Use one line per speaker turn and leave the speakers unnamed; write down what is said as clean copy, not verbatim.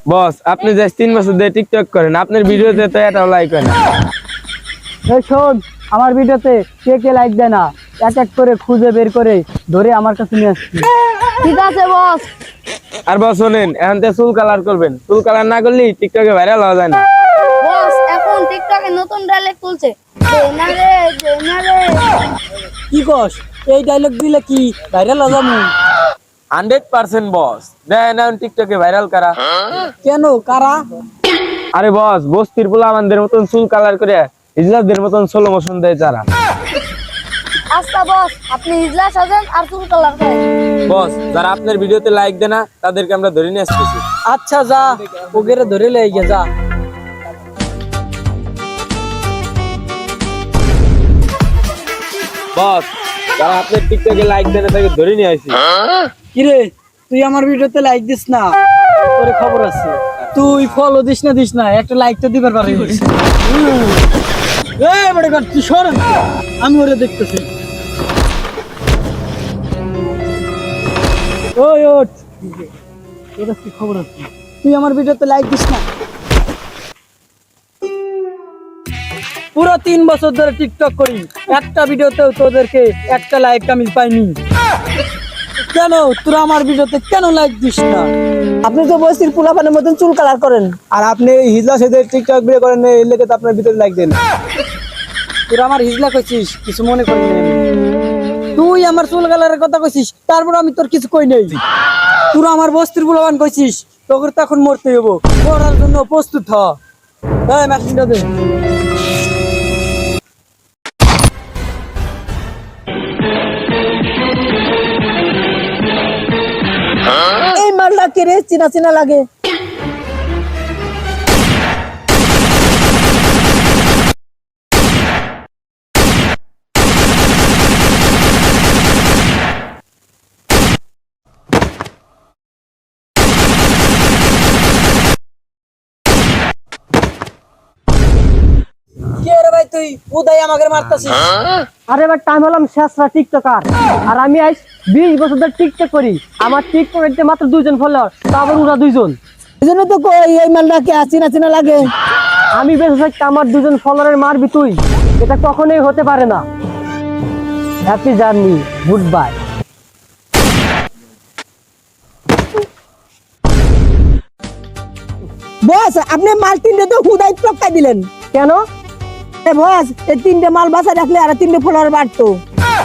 বস আপনি যে 3 বছর ধরে টিকটক করেন, আপনার ভিডিওতে তো এটাও লাইক হয় না।
এই শোন, আমার ভিডিওতে কে কে লাইক দেয় না এক এক করে খুঁজে বের করে ধরে আমার কাছে নিয়ে আসছি।
ঠিক আছে বস।
আর বস শোনেন, এখন তো চুল কালার করবেন, চুল কালার না করলে টিকটকে ভাইরাল হওয়া যায় না।
বস এখন টিকটকে নতুন ডায়লগ তুলছে, না রে না রে।
কি কস? এই ডায়লগ দিলে কি ভাইরাল হয়ে যাবো?
100% বস। দেখেন এখন টিকটকে ভাইরাল কারা।
কেন কারা?
আরে বস, বস্তির পোলা আমাদের মতন চুল কালার করে ইজলাসদের মতন স্লো মোশন দেয় যারা।
আচ্ছা বস, আপনি ইজলা সাজেন আর চুল কালার করেন।
বস যারা আপনার ভিডিওতে লাইক দেয় না তাদেরকে আমরা ধরে নিয়ে আসতেছি।
আচ্ছা যা, ওগেরে ধরে লেগে যা।
বস যারা আপনার টিকটকে লাইক দেয় না তাকে ধরে নিয়ে আসি।
কিরে, তুই আমার ভিডিওতে লাইক দিস না? তোর খবর আছে, তুই ফলো দিস না একটা লাইক তো দিবার পারিস। এই বড় কর, তুই সর, আমি ওরে দেখতেছি। ওই ওঠ, তোর কি খবর আছে? তুই আমার ভিডিওতে লাইক দিস না? পুরো 3 বছর ধরে টিকটক করি, একটা ভিডিওতেও তোদেরকে একটা লাইক আমি পাইনি। কেন তোরা আমার ভিডিওতে কেন লাইক দিস না?
আপনি তো বস্তির পোলাপানের মতন চুল কালার করেন, আর আপনি হিজলা সেদে টিকটক ভিডিও করেন, এই লেগে তো আপনার ভিতরে লাইক দেন।
তোরা আমার হিজলা কইছিস, কিছু মনে করি না। তুই আমার চুল কালারের কথা কইছিস, তারপর আমি তোর কিছু কই নাই। তোরা আমার বস্তির পোলাপান কইছিস, তোকে তো এখন মরতে হবো, মরার জন্য প্রস্তুত হ। এই মেশিনটা দে।
এই মালটা কে রে, চিনা চিনা লাগে।
কে রে ভাই, তুই উদয় আমাকে মারতাছিস?
আরে ভাই, টাইম হলাম শেষরা টিকটকার, আর আমি আজ 20 বছর ধরে টিকটক করি। আমার টিকটকের মাত্র 2 জন ফলোয়ার, তারপর ওরা 2 জন। এই জন্য তো কই এই মালটা কে চিনা চিনা লাগে। আমি বেঁচে থাকতে আমার 2 জন ফলোয়ারের মারবি তুই? এটা কখনোই হতে পারে না। Happy journey, goodbye. Boss আপনি মাল 3টে তো হুদাই টপকাই দিলেন কেন? বস এই 3টে মাল বাসা রাখলে আর 3টে ফলোয়ার বাড়তো।